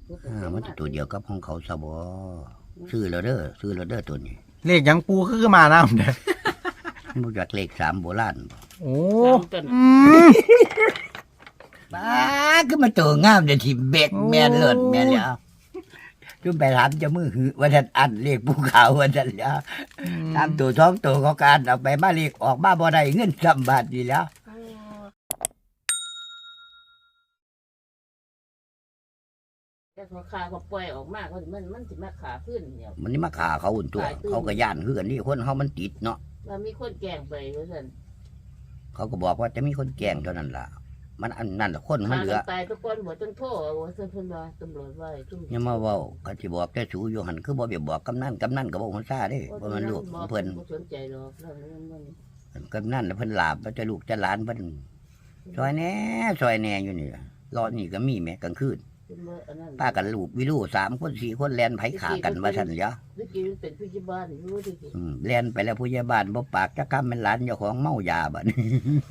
มันจะตัวเดียวกับของเขาซะบ่ซื้อแล้วเด้อตัวนี้เลขยังปูคือมาน้ำเด้อมันบ่จากเลข3โบราณโอ้บ้าคือมันตัวงามเด้ที่เบกแม่นเลิศแม่นแล้วจุ่มไปถามเจ้ามือหือว่าท่านอันเลขภูเขาว่าท่านแล้วถามตัว2ตัวเขาการเอาไปมาเลขออกมาบ่ได้เงิน3 บาทนี่แล้วแต่พอขาเขาปล่อยออกมามันสิมาขาขึ้นเนี่ยมันนี่มาฆ่าเขาอุ่นตัวเขาก็ย่านคือกันนี่คนเฮามันติดเนาะแล้วมีคนแกล้งไปว่าซั่นเขาก็บอกว่าจะมีคนแกล้งเท่านั้นล่ะมันอันนั้นล่ะคนมันเหลือตายทุกคนบ่ต้องโทษว่าซั่นเพิ่นว่าตำรวจว่าอย่ามาเว้าก็สิบอกแต่สูอยู่หั่นคือบ่ไปบอกกำนันก็บ่ฮู้ซ่าเด้บ่มันลูกเพิ่นบ่สนใจหรอกกำนันเพิ่นลาบจะลูกจะหลานเพิ่นซอยแหน่อยู่นี่รอนี่ก็มีแม้กลางคืนป้ากันลูกวิลู3 คน4 คนแล่นไผขากันว่าซั่นเหรอเมื่อกี้เป็นผู้ใหญ่บ้านอยู่ดิแล่นไปแล้วผู้ใหญ่บ้านบ่ปากจักคำเป็นหลานเจ้าของเมายาบัดนี้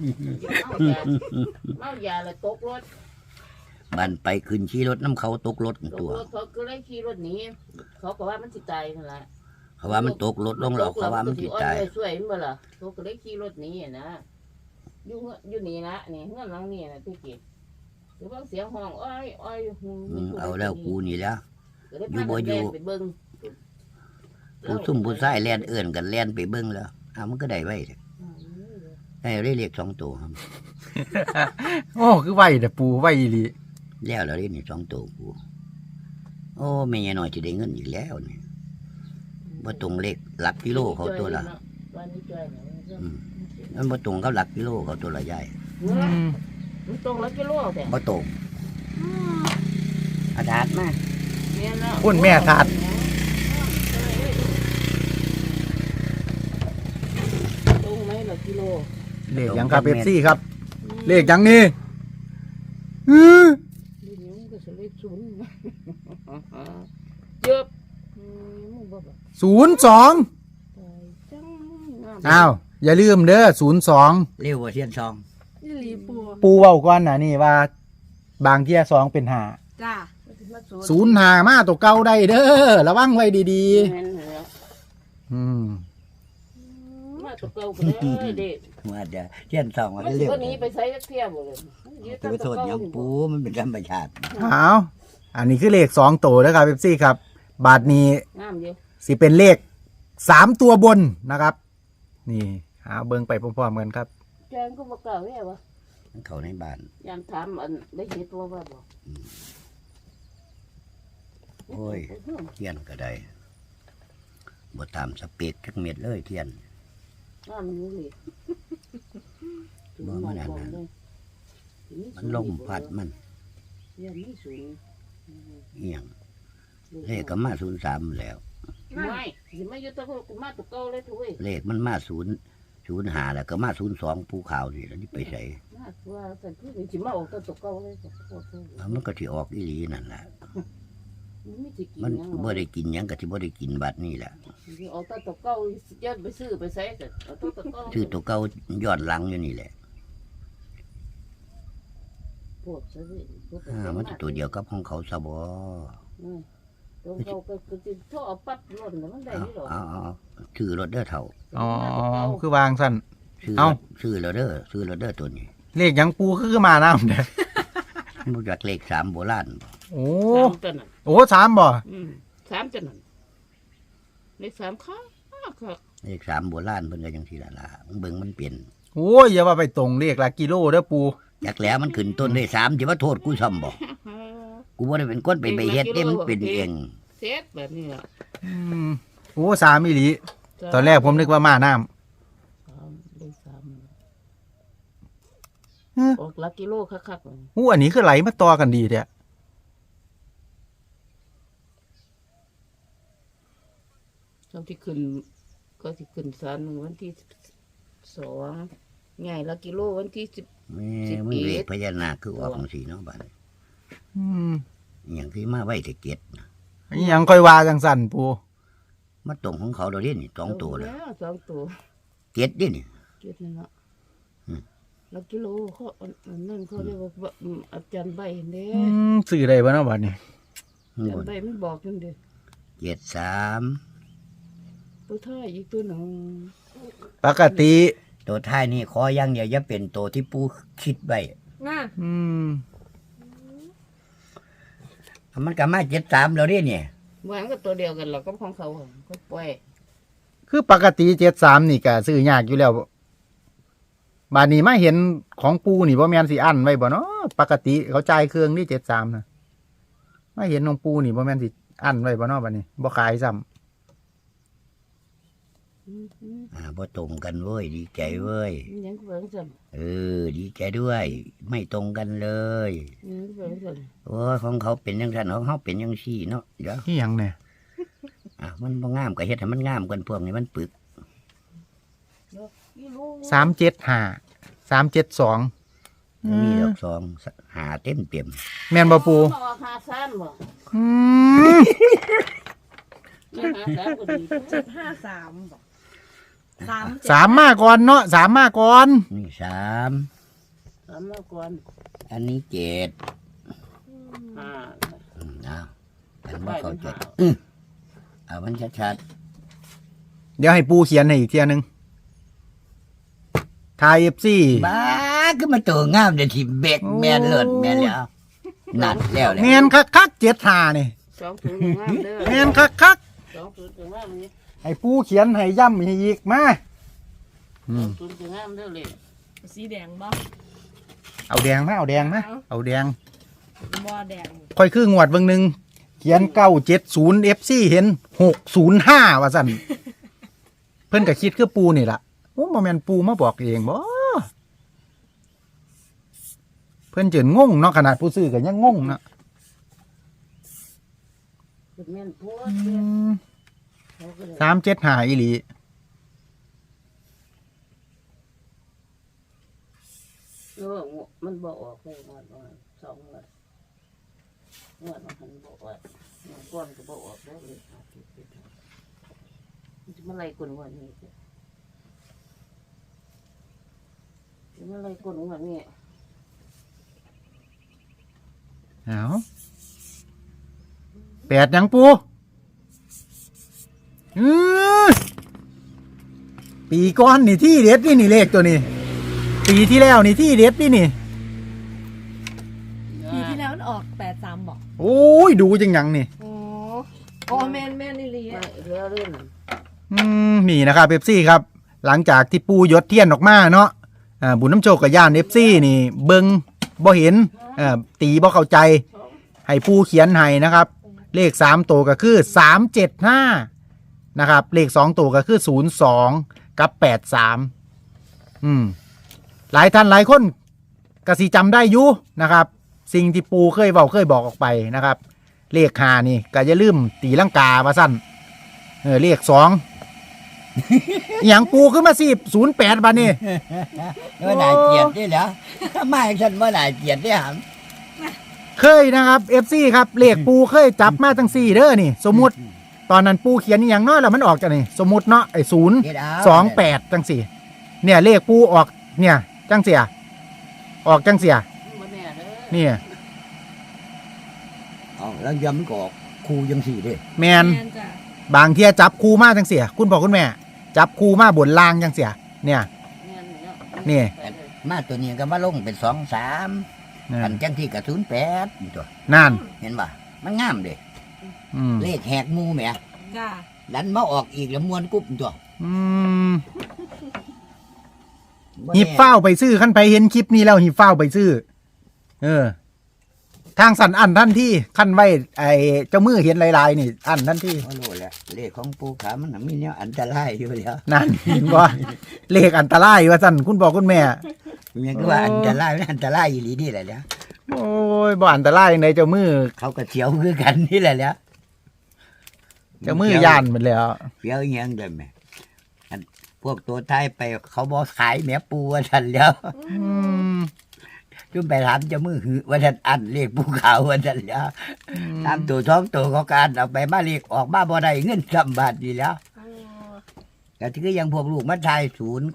เมายาแล้วตกรถมันไปขึ้นขี่รถน้ำเขาตกรถตัวเขาก็เลยขี่รถหนีเขาก็ว่ามันสิตายนั่นล่ะเขาว่ามันตกรถลงหรอกเขาว่ามันสิตายช่วยมันบ่ล่ะเขาก็เลยขี่รถหนีนะอยู่นี่นะนี่เฮือนหลังนี้นะที่กี้หรือว่าเสียงห้องอ้อยเอาแล้วกูนี่แล้วอยู่บ่อยู่ไปเบิ่งผู้ซุ่มผู้ชายแล่นเอื้อนกันแล่นไปเบิ่งแล้วมันก็ได้ไว้ได้เลข2 ตัวครับโอ้คือไว้แต่ปูไว้อีหลีแล้วเราได้นี่2 ตัวปูโอ้แม่ยายน้อยสิได้เงินอีกแล้วนี่บ่ตรงเลขหลักกิโลเขาตัวละมันบ่ตรงกับหลักกิโลเขาตัวละใหญ่มันตรงหลักกิโลแต่บ่ตรงอาถาดมาคุณแม่ถาดตรงไหมหลักกิโลเลขยังครับเอฟซีครับเลขยังนี่02อ้าวอย่าลืมเด้อ02 เร็วกว่าเทียนซองปูเว้าก่อนนะนี่ว่าบางเที่ย2เป็น5 จ้า 05มาตัวเก่าได้เด้อระวังไว้ดีๆมาตัวเก่าก็ได้เด็กมาเดี๋ยวเทียนซองมาเร็วตัวนี้ไปใช้เที่ยวหมดเลยไปโทษยังปูมันเป็นธรรมชาติเอาอันนี้คือเลข2ตัวนะครับเอฟซีครับบาทนี้สิเป็นเลข3ตัวบนนะครับนี่หาเบิ่งไปพร้อมๆกันครับแกงก็บ่กล้าแว่วะเขาในบ้านยามถามอันได้เห็นตัวว่าบ่โอ้ยเทียนก็ได้บ่ตามสเปกจักเม็ดเลยเทียนมันรู้เลยบ่มันอันนั้นมันลมพัดมันเรียนนี่สูงเอียงเลขก็มา03แล้วไม่สิมาอยู่ตะกูมาตะเก่าเลยทุกเว้ยเลขมันมา05แล้วก็มา02ภูเขานี่แล้วนี่ไปใส่ว่าสันคือสิมาออกตะเก่าเลยมันก็สิออกอีหลีนั่นแหละมันบ่ได้กินหยังก็สิบ่ได้กินบัดนี้แหละออกตะเก่าย้อนไปซื้อไปใส่แต่ตะเก่าซื้อตัวเก่าย้อนหลังอยู่นี่แหละมันตัวเดียวกับของเขาซะบ่ตัวเขาก็ท่อปั๊บรถมันได้นี่หรอซื้อรถเด้อเฒ่าอ๋อคือวางสั่นซื้อแล้วเด้อตัวนี้เลขยังปูคือมาน้ำเด้อมันบ่จากเลข3โบราณโอ้3บ่ 3จังนั้นเลข3ค่ะเลข3โบราณเพิ่นก็จังซี่ล่ะเบิ่งมันเปลี่ยนโอ้ยอย่าว่าไปตรงเลขหลักกิโลเด้อปูจักแล้วมันขึ้นต้นได้3สิว่าโทษกูซ้ำบ่กูบ่ได้เป็นคนไปเฮ็ดเด้มันเป็นเองเฮ็ดแบบนี้ล่ะโอ้3อีหลีตอนแรกผมนึกว่ามาน้ำเลข3ออกหลักกิโลคักๆอันนี้คือไหลมาต่อกันดีแท้ตอนที่ขึ้นก็สิขึ้นศาลวันที่2ง่ายหลักกิโลวันที่10 มันเลขพญานาคคือออกจังซี่เนาะบัดอย่างที่มาไว้แต่เก็ดยังค่อยว่าจังสั่นปูมาตรงของเขาเราเล่นนี่2 ตัวเลย 2 ตัวเก็ดดินี่เก็ดนี่ละหลักกิโลเขานั่นเขาเรียกว่าอาจารย์ใบเด้สื่อได้บ่เนาะบัดนี้ข้างบนจำได้มันบอกจังเด้ 73 ตัวท้ายอีกตัวหนึ่งปกติตัวท้ายนี่ขออย่างเดียวอย่าเป็นตัวที่ปูคิดไว้น่ะอืมมันก็มา73แล้วเด้เนี่ยเหมือนกับตัวเดียวกันหรอกก็ของเขาก็ปล่อยคือปกติ73นี่ก็ซื้อยากอยู่แล้วบาดนี้มาเห็นของปูนี่บ่แม่นสิอั้นไว้บ่เนาะปกติเขาจ่ายเครื่องนี่73นะมาเห็นของปูนี่บ่แม่นสิอั้นไว้บ่เนาะบัดนี้บ่ขายซ้ำบ่ตรงกันเว้ยดีใจเว้ยยังเบิ่งสั่นดีใจด้วย ไม่ตรงกันเลยยังเบิ่งสั่นโอ้ยของเขาเป็นจังซั่นของเฮาเป็นจังซี่เนาะเดี๋ยวนี่หยังเนี่ยมันบ่งามก็เฮ็ดให้มันงามกันพวกนี้มันปึกนี่รู้ 375 372 มีดอกสองหาเต็มแม่นบ่ปูมาหาซ้ำบ่อืมหาซ้ำก็ดี 753บอก3 สามมาก่อนเนาะสามมาก่อนนี่3 ซ้ำแล้วก่อนอันนี้7 ห้าเอาอันบ่เข้าใจเอามันชัดเดี๋ยวให้ปูเขียนให้อีกเทียหนึงทาย FC ๆบ้าคือมันตัวงามเด้ที่เบกแม่นเลิศแม่นแล้วนั่นแล้วแหละแม่นคักๆ75นี่สองศูนย์งามเด้อแม่นคักสองศูนย์งามนี่ๆให้ปูเขียนให้ย้ำให้อีกมาสองศูนย์งามเด้อเลยสีแดงบ่เอาแดงมาเอาแดงมาเอาแดงบ่แดงค่อยคืองวดเบิ่งหนึงเขียน970 FC เห็น605ว่าซั่นเพิ่นก็คิดคือปูนี่ล่ะโอ้บ่แม่นปูมาบอกเองบ่เพิ่นจนงงเนาะขนาดผู้ซื้อก็ยังงงเนาะเป็นแม่นพัว เขาก็เลย 375อีหลีมันบอกออกเลยงวดสองงวดมันบอกว่าก้อนก็บอกออกแล้วเลยมันอะไรกลวันนี้มันอะไรกลวันนี้เอาแปดหยังปูปีก้อนนี่ที่เด็ดนี่เลขตัวนี้ ปีที่แล้วนี่ที่เด็ดนี่ปีที่แล้วมันออก83บอกโอ้ยดูจังหยังนี่อ๋ออ๋อแม่นนี่ลีไม่เรื่องเรื่องนี่นะครับเอฟซีครับ หลังจากที่ปูยศเทียนออกมาเนาะบุญน้ำโชคกับย่านเอฟซีนี่เบิงบ่เห็นตีบ่เข้าใจ ให้ปูเขียนให้นะครับ เลข3ตัวก็คือ375นะครับเลข2ตัวก็คือ02กับ83หลายท่านหลายคนก็สิจำได้อยู่นะครับ สิ่งที่ปูเคยบอกออกไปนะครับ เลข5นี่ก็อย่าลืมตีลังกาว่าสั้นเลข2อหย่างปูขึ้นมา08บาทนี่ว่าน่าเกลียดนี่แหละไม่ฉันว่าน่าเกลียดเนี่ยหำเคยนะครับ FC ครับเลขปูเคยจับมาทั้ง4เด้อนี่ สมมุติตอนนั้นปูเขียนอหย่างน้อยแล้วมันออกจากนี่สมมุติเนาะไอ้028จังสี่เนี่ยเลขปูออกเนี่ยจังเสียออกจังเสียมันแน่เลยเนี่ยเอาแล้วย้ำก็ออกครูยังสี่เด้แมนแม่นจ้ะบางเที่ยจับคูมาจังเสียคุณพ่อคุณแม่ จับคูมาบนล่างจังเสียเนี่ย นี่มาตัวนี้ก็มาลงเป็น2-3อันจังที่กับ08นี่ตัวนั่นเห็นป่ะมันงามเด้ เลขแหกหมูแหมจ้ะดันมาออกอีกแล้วมวนกุ๊บตัวหิบเฝ้าไปซื้อขั้นไปเห็นคลิปนี้แล้วหิบเฝ้าไปซื้อทางสันอันท่านที่ขั้นไว้ไอ้เจ้ามือเห็นลายๆนี่อันท่านที่โอ้โหแหละเลขของปูขามันน่ะมีเนี่ยอันตรายอยู่แล้วนั่นเห็นว่าเลขอันตรายว่าสั่นคุณบอกคุณแม่มันก็ว่าอันตรายมันอันตรายอีหลีนี่แหละเนี่ยโอ้ยบ่อันตรายในเจ้ามือเขาก็เสียวคือกันนี่แหละเนี่ยเจ้ามือย่านหมดแล้วเสียวอีหยังเด้อแม่อันพวกตัวไทยไปเขาบ่ขายแม่ปูว่าซั่นแล้วจุ่มไปถามเจ้ามือหือว่าท่านอันเลขภูเขาว่าท่านแล้วตามตัวท้องตัวเขาการเอาไปมาเลขออกมาบ่ได้เงินสำบาทดีแล้วแต่ที่ก็ยังพวกลูกมาทาย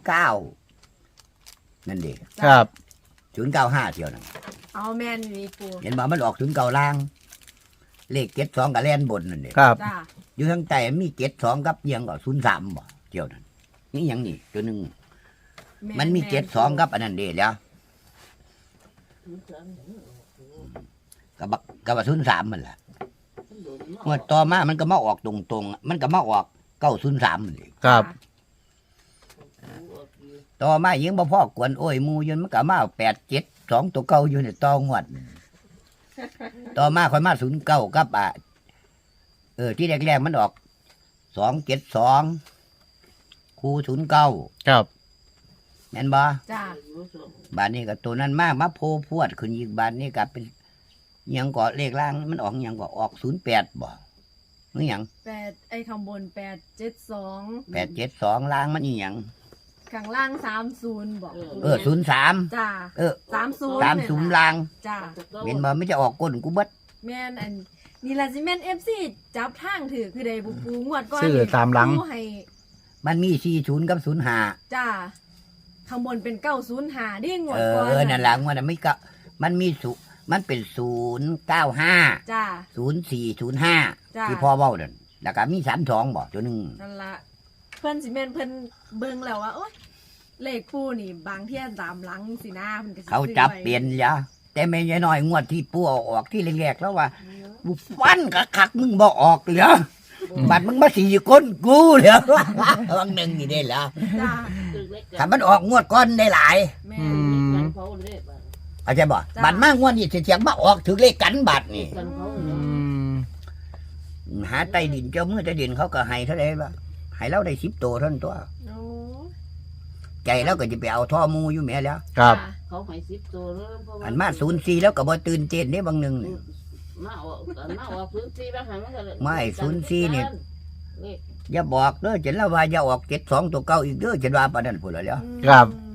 09นั่นเด็ครับ 095เที่ยวนั่นเอาแม่นนี่ปูเห็นบ่มันออก09ล่างเลข72กับแล่นบนนั่นเด้ครับจ้าอยู่ทางใต้มี72กับเอียงก็03บ่เกี่ยวนั่นนี่หยังนี่ตัวหนึงมันมี72กับอันนั้นเด้แล้วกับ03มันล่ะงวดต่อมามันก็มาออกตรงๆมันก็มาออก903มันเด้ครับต่อมายังบ่พอกวนโอ้ยหมู่ยนมันก็มา872ตัวเก่าอยู่ในต่องวดต่อมาค่อยมา09กับที่แรกๆมันออก272คู่09 ครับแม่นบ่จ้าบานนี้ก็ตัวนั้นมากมาโพพวดขึ้นอีกบานนี้ก็เป็นหยังก็เลขล่างมันออกหยังก็ออก08บ่หรือหยัง 8ไอ้ข้างบน872 872ล่างมันอีหยังข้างล่าง30บอก 03 จ้า 30 30ล่างจ้าเห็นบ่ไม่จะออกก้นกูเบิดแม่นอันนี่ล่ะสิแม่น FC จับทางถือคือได้บุปูงวดก่อนซื้อตามหลังปูให้มันมี40กับ05 จ้าข้างบนเป็น905ดิงวดก่อนนั่นล่ะมันไม่ก็มันมีมันเป็น095 จ้า 0405 จ้าที่พ่อเว้านั่นแล้วก็มี32บ่ตัวหนึงนั่นละเพิ่นสิแม่นเพิ่นเบิ่งแล้วว่าโอ๊ยเลขปูนี่บางเที่ยตามหลังสินะเพิ่นก็สิเขาจับซื้อไว้เปลี่ยนยะแต่แม่ยายน้อยงวดที่ปู่เอาออกที่แรกๆแล้วว่ากูฟันคักๆมึงบ่ออกเหรอบัดมึงมาสีก้นกูเหรอ วังหนึ่งนี่ได้เหรอจ้าถ้ามันออกงวดก้อนได้หลายแม่อืนมเข้าใจบ่จ้ะบัดมางวดนี่เสียงมาออกถึงเลขกันบัดนี่อืมหาใต้ดินเจ้ามือใต้ดินเขาก็ให้เท่าไหร่บ่ให้เราได้10ตัวเท่านั้นตัวโอ้ใจแล้วก็จะไปเอาท่อมูอยู่แม่แล้วครับจ้ะเขาให้10ตัวแล้วเพราะว่าอันมา04แล้วก็บ่ตื่นเต้นเด้บางหนึงนี่มาออก04บางครั้งมันก็ไม่04นี่ อย่าบอกเด้อจะเล่าว่าอย่าออก72ตัวเก่าอีกเด้อจะว่าปานนั้นพุ่นแล้วครับอืม